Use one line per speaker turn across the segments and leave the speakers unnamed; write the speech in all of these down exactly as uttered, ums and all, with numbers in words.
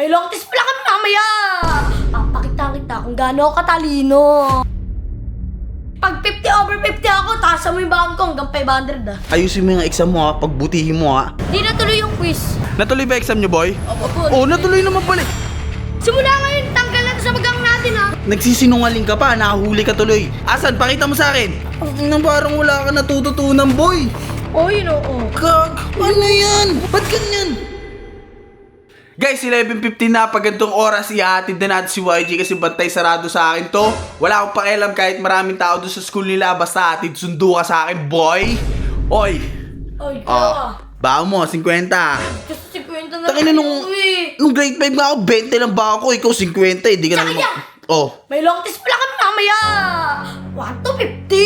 May long test pala kami mamaya! Papakita kita kung gaano ako katalino. Pag fifty over fifty ako, taas mo yung baon ko hanggang five hundred ah.
Ayusin mo yung exam mo ha, pagbutihin mo ha.
Di natuloy yung quiz.
Natuloy ba exam nyo, boy?
Opo po.
Oo, natuloy naman pala.
Simula ngayon, tanggal na to sa magang natin ha.
Nagsisinungaling ka pa, nakahuli ka tuloy. Asan? Pakita mo sa akin. Ang parang wala ka natututunan, boy.
Oh, yun oo.
Kag, ano yan? Ba't ganyan? Guys, eleven fifteen na, pag ganitong oras, ihahatid na natin si Y G kasi bantay sarado sa akin to. Wala akong pakialam kahit maraming tao doon sa school nila, basta hatid sundo ka sa akin, boy. Oy.
Oy,
Oh,
kaya.
bao mo, fifty.
Kasi kwento na
Takina nung,
eh.
nung grade five nga ako, twenty lang ba ako, ikaw fifty, hindi ka
Tsaka
naman.
yan.
Oh.
May long test pala kami mamaya! one to fifty!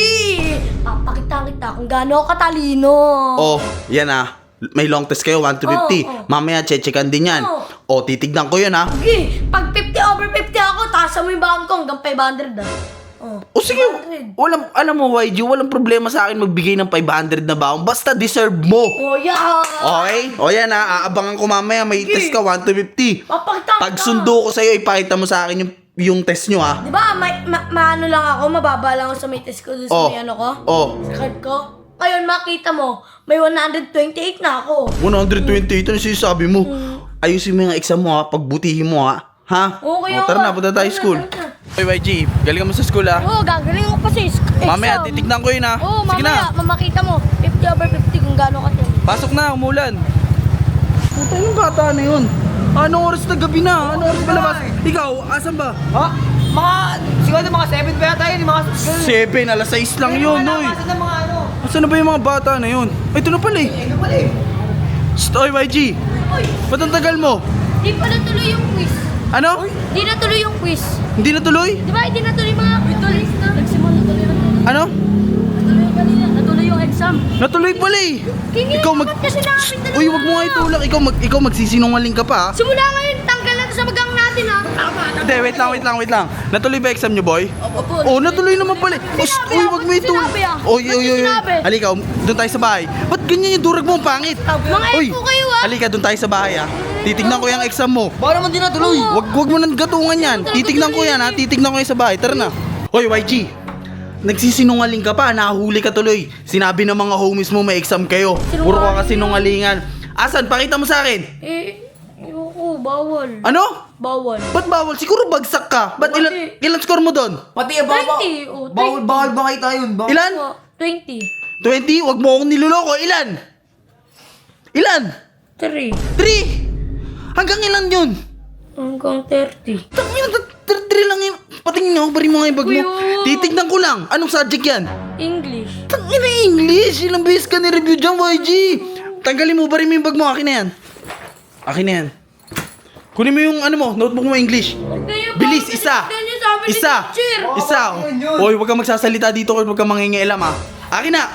Papakita kita kung gaano ako katalino.
Oh, yan ah. May long test kayo, one to fifty.
Oh, oh.
Mamaya, chechekan din yan.
Oh.
Oh, titignan ko yun ah.
Sige, pag fifty over fifty ako, taas mo yung baon ko hanggang five hundred ah. Oh,
O sige,
five hundred.
walang, alam mo Y G, walang problema sa akin magbigay ng five hundred na baon. Basta deserve mo.
Oh, yeah!
Okay? O yan ah, aabangan ko mamaya, may
Sige.
test ka, one to fifty.
Papakita
Pag
kita.
sundo ko sa'yo, ipakita mo sa akin yung, yung test nyo ah.
Di ba, may, ma, maano lang ako, mababa lang ako sa may test ko doon sa
Oh.
may ano ko?
Oh.
Sa card ko. Ngayon, makita mo, may one twenty-eight na ako.
one twenty-eight, ano sinasabi mo? Ayusin mo yung exam mo ha, pagbutihin mo ha. Ha?
Okay,
O, tara
okay.
na, punta tayo
Tara na,
school.
tara na.
Oy Y G, galing ka mo sa school ha.
Oo, oh, gagaling ako pa sa exam.
Mamaya, titignan ko yun ha.
Oo,
Sige
mamaya,
na.
mamakita mo, fifty over fifty kung gaano ka din.
Pasok na, umulan. Puta yung bata na yun. Anong oras na gabi na? Anong oras palabas? Ikaw, asan ba?
Ha? Mga, siguro mga seven pa yata yun, yung mga...
Seven, alas sais lang yun,
Mga
oy.
nakasan ng mga ano.
Asan na ba yung mga bata na yun? Ay, ito na pala eh.
Eh, ano pala eh.
Shh, oy Y G.
Uy,
Ba't ang tagal mo?
di pa natuloy yung quiz.
Ano?
Di natuloy yung quiz.
Hindi na tuloy?
Di ba, hindi natuloy mga quiz na. Nagsimula natuloy na.
Ano?
Natuloy kanina, natuloy yung exam.
Natuloy pala eh.
Kingi,
Ikaw mag...
dapat kasi namin dalawa.
Uy, wag mo nga itulak. Ikaw, mag... Ikaw magsisinungaling ka pa ha?
Simula ngayon, tanggal na to sa magang natin ha.
Hindi, wait lang, wait lang, wait lang. Natuloy ba exam nyo, boy?
Opo.
Oo, oh, natuloy naman pala.
Ba't
Uy,
sinabi
uy,
ah?
wag mo
Ba't
ito.
sinabi ah?
Oy,
Ba't
oy, oy.
sinabi?
Halika, doon tayo sa bahay. Ba't ganyan yung durag mo, ang pangit?
Mga
Uy,
epo kayo ah.
halika, doon tayo sa bahay ah. Titignan ko yung exam mo.
Baka naman di natuloy.
Wag, wag mo nang gatungan yan. Titignan ko yan ha. Titignan ko yan sa bahay. Tara na. Hoy, Y G. Nagsisinungaling ka pa. Nakahuli ka tuloy. Sinabi ng mga homies mo may exam kayo. Puro ka kasi sinungalingan. Asan? Pakita mo sa akin.
Eh, ayoko, bawal.
Ano?
Bawal.
Ba't bawal? Siguro bagsak ka. Ba't ilan,
Bakit?
ilan score mo doon?
Pati eh, bawal,
twenty, oh,
bawal,
twenty.
bawal ba kayo tayo yun? Bawal.
Ilan?
Oh, twenty.
twenty? Wag mo akong niloloko. Ilan? Ilan?
three.
three? Hanggang ilan yun?
Hanggang thirty.
Tangina, three lang yun. Patingin nga ako, bari mo nga yung bag mo.
Kuya.
Titignan ko lang. Anong subject yan?
English.
Tangina English! Ilang beses ka ni-review dyan, Y G! Tanggalin mo, bari mo yung bag mo. Akin na yan. Akin na yan. Kunin mo yung ano mo, notebook mo English. Bilis, isa! Isa! Isa!
yun, yun.
Hoy, huwag kang magsasalita dito kung huwag kang mangingialam ha. Akin na!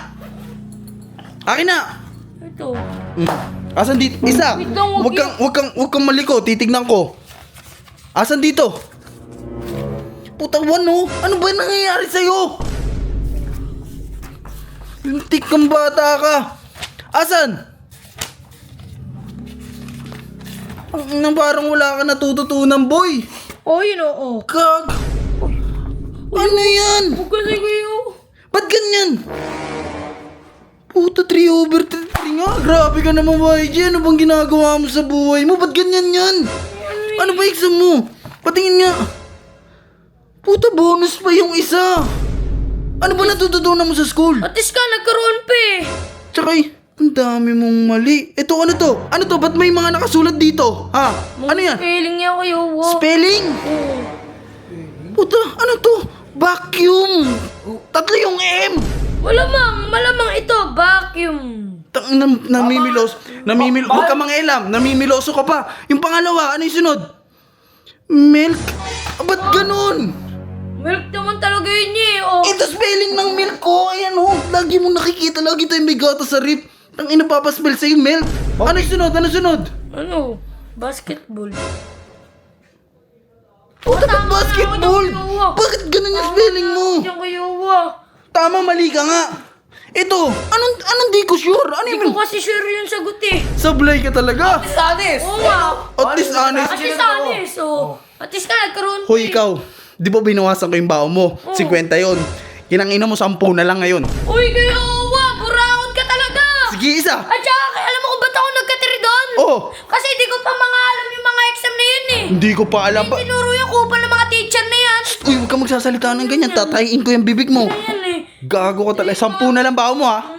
Akin na!
Ito.
Mm. Asan dito? Isa!
Wait lang,
Huwag
huwag
kang, huwag kang, huwag kang maliko, titignan ko. Asan dito? Puta, ano? Ano ba nangyayari sa'yo? Lintik kang bata ka. Asan? Ang nang parang wala ka natututunan, boy.
Oh, yun oo.
Kag. Ano yan?
Huwag kasi kayo.
Ba't ganyan? Puta, three over three nga. Grabe ka naman, Y G. Ano bang ginagawa mo sa buhay mo? Ba't ganyan yan? Ano ba exam mo? Patingin nga. Puta, bonus pa yung isa. Ano ba natututunan mo sa school?
At least ka, nagkaroon pa eh.
Tsaka eh, ang dami mong mali. Ito, ano to? Ano to? Ba't may mga nakasulat dito? Ha? Ano yan?
Spelling niya kayo. Wow.
Spelling?
Oo.
Puta, ano to? Vacuum. Tatlo yung M.
Malamang, malamang ito, vacuum.
Tang nam, namimilos. Namimil
Ba-
Huwag ka mangialam. Namimiloso ka pa. Yung pangalawa, ano yung sunod? Milk. Ah, ba't ganun?
Milk naman talaga yun eh. Oh.
Ito spelling ng milk ko. Ayan oh. Lagi mo nakikita. Lagi tayo may gata sa rip. Ang ina papaspell sa'yo, milk. Ano yung sunod? Ano yung sunod?
Ano? Basketball.
Puta, ba't
tama na,
basketball?
ako yung kayo.
Bakit ganun yung spelling mo?
Yung kayo ah.
Tama, mali ka nga. Ito, anong, anong di ko sure? Ano
Hindi
yung
ko kasi sure yung sagot eh.
sablay ka talaga?
Sanis!
Oo nga.
At least honest.
Kasi sa oh. At least ka nagkaroon.
Hoy, ikaw. Di ba binawasan ko yung bao mo? fifty yon. Kinangina mo, sampu na lang ngayon.
Uy, kaya awa, burakot ka talaga.
Sige, isa.
At saka, alam mo kung ba't ako nagkatiri doon?
Oh.
Kasi di ko pa mga alam yung mga exam na yun eh.
Hindi ko pa alam pa.
Tinuro yung kupa ng mga teacher na yan.
Uy, huwag ka magsasalita ng ganyan. Tatayin ko yung bibig mo.
Ayan eh.
Gago ka talaga. Sampu na lang bao mo, ha?